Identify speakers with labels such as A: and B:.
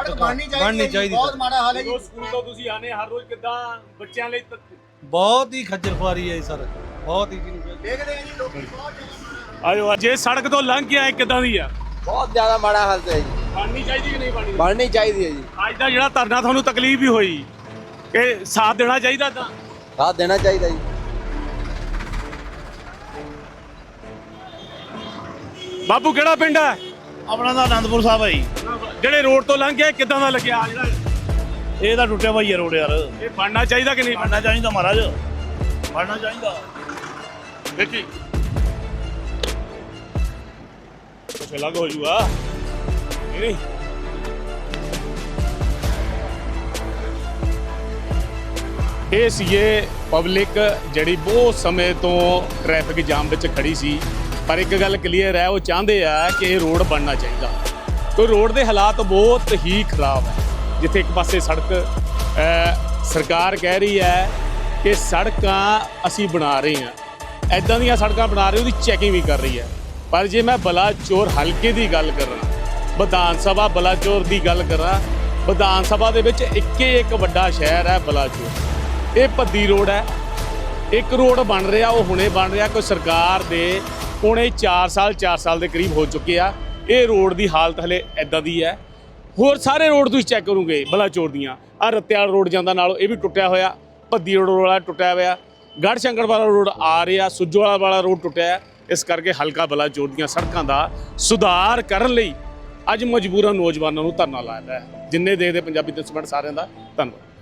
A: ਸੜਕ ਬਣਨੀ ਚਾਹੀਦੀ ਬਹੁਤ ਮਾੜਾ ਹਾਲ ਹੈ ਜੀ।
B: ਸਕੂਲ ਤੋਂ ਤੁਸੀਂ ਆਨੇ ਹਰ ਰੋਜ਼ ਕਿੱਦਾਂ ਬੱਚਿਆਂ ਲਈ
C: ਬਹੁਤ ਹੀ ਖੱਜਲ ਖੁਆਰੀ ਹੈ ਸਰ, ਬਹੁਤ ਹੀ।
A: ਦੇਖਦੇ ਆ ਜੀ ਲੋਕੀ ਬਹੁਤ ਜ਼ਿਆਦਾ
B: ਆਜੋ ਜੇ ਸੜਕ ਤੋਂ ਲੰਘ ਕੇ ਆਏ ਕਿੱਦਾਂ ਦੀ ਆ?
D: ਬਹੁਤ ਜ਼ਿਆਦਾ ਮਾੜਾ ਹਾਲਤ ਹੈ ਜੀ।
B: ਬਣਨੀ ਚਾਹੀਦੀ ਕਿ ਨਹੀਂ ਬਣਨੀ?
D: ਬਣਨੀ ਚਾਹੀਦੀ ਹੈ ਜੀ।
B: ਅੱਜ ਦਾ ਜਿਹੜਾ ਧਰਨਾ ਤੁਹਾਨੂੰ ਤਕਲੀਫ ਵੀ ਹੋਈ, ਇਹ ਸਾਥ ਦੇਣਾ ਚਾਹੀਦਾ ਤਾਂ
D: ਸਾਥ ਦੇਣਾ ਚਾਹੀਦਾ ਜੀ।
B: ਬਾਬੂ ਕਿਹੜਾ ਪਿੰਡ ਹੈ
E: ਆਪਣਾ ਤਾਂ ਆਨੰਦਪੁਰ ਸਾਹਿਬ ਹੈ ਜੀ।
B: ਜਿਹੜੇ ਰੋਡ ਤੋਂ ਲੰਘ ਕੇ ਕਿੱਦਾਂ ਦਾ ਲੱਗਿਆ ਜਿਹੜਾ
E: ਇਹ ਤਾਂ ਟੁੱਟਿਆ ਭਾਈ ਰੋਡ ਯਾਰ।
B: ਇਹ ਬਣਨਾ ਚਾਹੀਦਾ ਕਿ ਨਹੀਂ?
E: ਬਣਨਾ ਚਾਹੀਦਾ ਮਹਾਰਾਜ, ਬਣਨਾ ਚਾਹੀਦਾ।
B: ਦੇਖੀ ਕੁਛ ਅਲੱਗ ਹੋ ਜੂਗਾ ਨਹੀਂ। ਇਹ ਸੀਗੇ ਪਬਲਿਕ ਜਿਹੜੀ ਬਹੁਤ ਸਮੇਂ ਤੋਂ ਟ੍ਰੈਫਿਕ ਜਾਮ ਵਿੱਚ ਖੜੀ ਸੀ, ਪਰ ਇੱਕ ਗੱਲ ਕਲੀਅਰ ਹੈ, ਉਹ ਚਾਹੁੰਦੇ ਆ ਕਿ ਇਹ ਰੋਡ ਬਣਨਾ ਚਾਹੀਦਾ। ਕਿਉਂਕਿ ਰੋਡ ਦੇ ਹਾਲਾਤ ਬਹੁਤ ਹੀ ਖਰਾਬ ਹੈ। ਜਿੱਥੇ ਇੱਕ ਪਾਸੇ ਸੜਕ ਸਰਕਾਰ ਕਹਿ ਰਹੀ ਹੈ ਕਿ ਸੜਕਾਂ ਅਸੀਂ ਬਣਾ ਰਹੇ ਹਾਂ, ਐਦਾਂ ਦੀਆਂ ਸੜਕਾਂ ਬਣਾ ਰਹੇ, ਉਹਦੀ ਚੈਕਿੰਗ ਵੀ ਕਰ ਰਹੀ ਹੈ। ਪਰ ਜੇ ਮੈਂ ਬਲਾਚੌਰ ਹਲਕੇ ਦੀ ਗੱਲ ਕਰਾਂ, ਵਿਧਾਨ ਸਭਾ ਬਲਾਚੌਰ ਦੀ ਗੱਲ ਕਰਾਂ, ਵਿਧਾਨ ਸਭਾ ਦੇ ਵਿੱਚ ਇੱਕ ਵੱਡਾ ਸ਼ਹਿਰ ਹੈ ਬਲਾਚੌਰ। ਇਹ ਭੱਦੀ ਰੋਡ ਹੈ। ਇੱਕ ਰੋਡ ਬਣ ਰਿਹਾ, ਉਹ ਹੁਣੇ ਬਣ ਰਿਹਾ। ਕੋਈ ਸਰਕਾਰ ਦੇ ਪੌਣੇ 4 ਸਾਲ ਦੇ ਕਰੀਬ ਹੋ ਚੁੱਕੇ ਆ। ਇਹ ਰੋਡ ਦੀ ਹਾਲਤ ਹਲੇ ਐਦਾਂ ਦੀ ਹੈ। ਹੋਰ ਸਾਰੇ ਰੋਡ ਤੁਸੀਂ ਚੈੱਕ ਕਰੋਗੇ ਬਲਾਚੌਰ ਦੀਆਂ, ਆਹ ਰੱਤਿਆਲ ਰੋਡ ਜਾਂਦਾ ਨਾਲ ਇਹ ਵੀ ਟੁੱਟਿਆ ਹੋਇਆ, ਭੱਦੀ ਰੋਡ ਵਾਲਾ ਟੁੱਟਿਆ ਹੋਇਆ, ਗੜ੍ਹ ਸ਼ੰਕਰ ਵਾਲਾ ਰੋਡ ਆ ਰਿਹਾ, ਸੁੱਜੋਵਾਲਾ ਵਾਲਾ ਰੋਡ ਟੁੱਟਿਆ ਹੈ। ਇਸ ਕਰਕੇ ਹਲਕਾ ਬਲਾਚੌਰ ਦੀਆਂ ਸੜਕਾਂ ਦਾ ਸੁਧਾਰ ਕਰਨ ਲਈ ਅੱਜ ਮਜਬੂਰਨ ਨੌਜਵਾਨਾਂ ਨੂੰ ਧਰਨਾ ਲਾਇਆ ਹੈ। ਜਿੰਨੇ ਦੇਖਦੇ ਪੰਜਾਬੀ ਦਸਵੰਧ ਸਾਰਿਆਂ ਦਾ ਧੰਨਵਾਦ।